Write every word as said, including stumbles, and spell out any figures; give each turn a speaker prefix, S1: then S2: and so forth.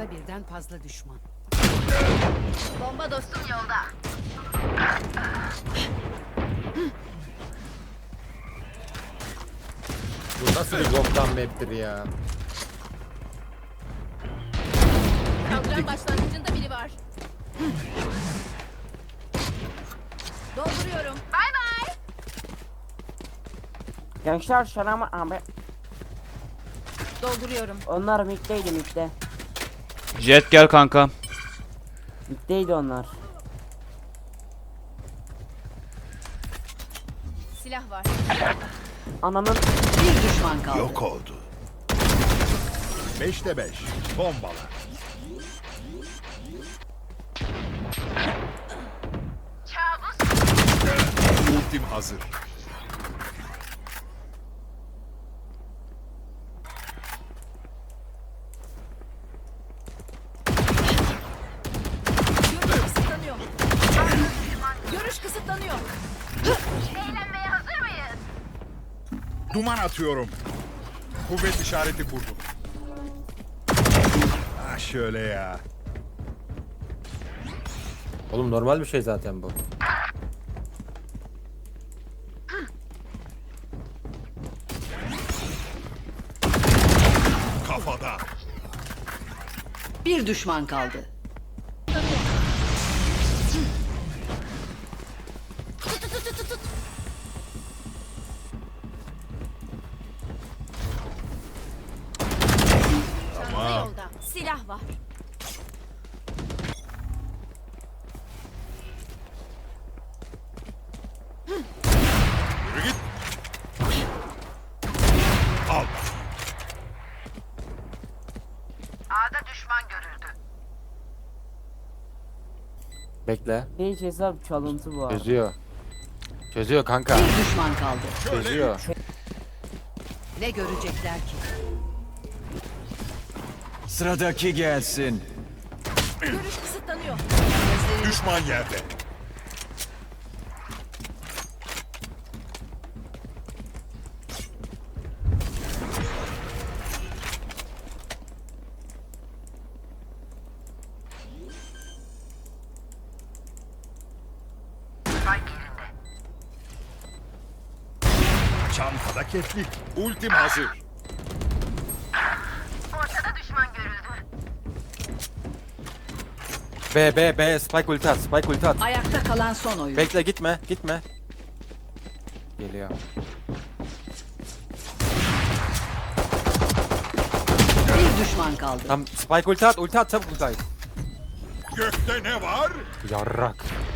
S1: Ortada birden fazla düşman.
S2: Bomba dostum yolda.
S3: Bu nasıl bir boktan map'tir ya?
S2: Kaldıran başlangıcında biri var. Dolduruyorum. Bay bay.
S4: Gençler selam abi.
S2: Dolduruyorum.
S4: Onlar middeydi midde.
S5: Jet gel kanka.
S4: Middeydi onlar.
S2: Silah var.
S4: Ananın
S1: Bir düşman kaldı.
S6: Yok oldu. Beşte beş. Bombalar. Ultim hazır.
S2: Görüş kısıtlanıyor. Görüş kısıtlanıyor. Eğlenmeye hazır mıyız?
S6: Duman atıyorum. Kuvvet işareti kurdum. Ha şöyle ya.
S3: Oğlum normal bir şey zaten bu.
S6: Kafada.
S1: Bir düşman kaldı.
S2: Çanta yolda. Silah var.
S6: Yürü git. Al.
S3: Bekle.
S4: hiç hesap çalıntı bu arada.
S3: Çözüyor. Çözüyor kanka.
S1: Bir düşman kaldı.
S3: Çözüyor.
S1: Ne görecekler ki?
S7: Sıradaki gelsin.
S2: Görüş kısıtlanıyor.
S6: Düşman yerde. Çantada keflik. Ultim hazır.
S2: Ortada düşman görüldü.
S3: B B B spike ulti at. Spike ulti at.
S1: Ayakta kalan son oyun.
S3: Bekle gitme. Gitme. Geliyor.
S1: Bir düşman kaldı.
S3: Tam spike ulti at. Ulti at çabuk ulti at.
S6: Gökte ne var?
S3: Yarrak.